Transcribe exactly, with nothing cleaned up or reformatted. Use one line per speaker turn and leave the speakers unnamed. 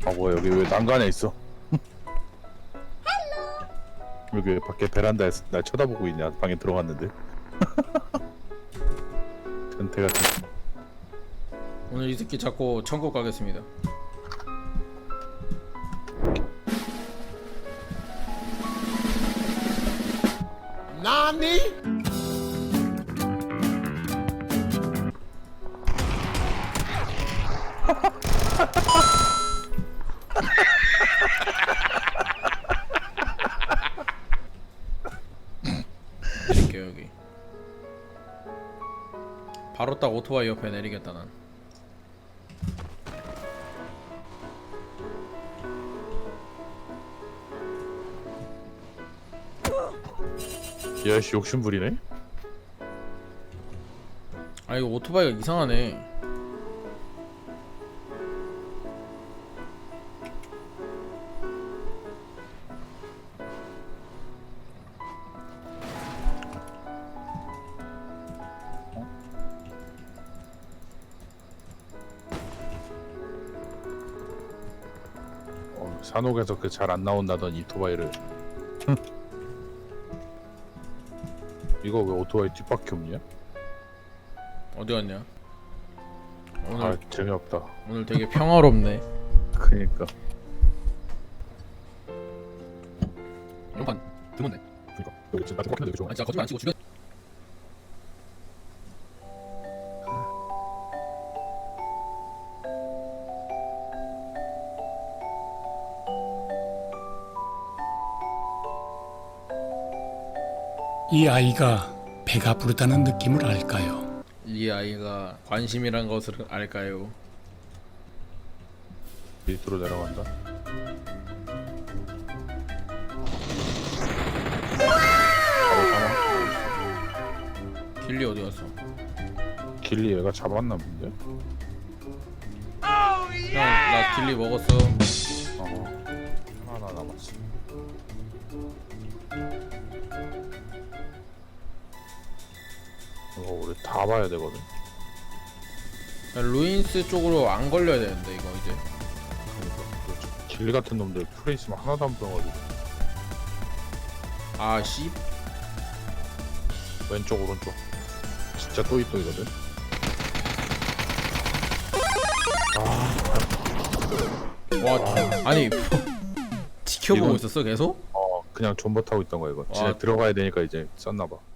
아 뭐야 여기 왜 난간에 있어? 여기 왜 밖에 베란다에서 날 쳐다보고 있냐? 방에 들어갔는데. 변태 같은.
오늘 이 새끼 잡고 천국 가겠습니다.
나니?
내릴게 여기. 바로 딱 오토바이 옆에 내리겠다 난.
야씨 욕심부리네.
아 이거 오토바이가 이상하네.
어, 산옥에서 그 잘 안 나온다던 이토바이를. 이거 왜 오토바이 뒷바퀴 없냐?
어디 갔냐? 오늘
아 재미없다.
오늘 되게 평화롭네.
그니까.
이런 드문네.
그니까 여기 지금 나좀 꽉했는데 여기 좀.
아니 진짜 거짓말 안 치고 주변.
이 아이가 배가 부르다는 느낌을 알까요?
이 아이가 관심이란 것을 알까요?
밑으로 내려간다. 바로 잡아.
길리 어디 갔어?
길리 얘가 잡았나 본데?
형, 나 길리 먹었어.
어. 하나 남았어. 이거 우리 다 봐야 되거든.
야, 루인스 쪽으로 안 걸려야 되는데 이거 이제.
그러니까 길리 같은 놈들 풀에 있으면 하나도 안 보여가지고.
아 씨.
왼쪽 오른쪽. 진짜 또이또이거든.
와 아니 지켜보고
이건-
있었어 계속?
어 그냥 존버 타고 있던 거야 이거.
와.
진짜 들어가야 되니까 이제 썼나봐.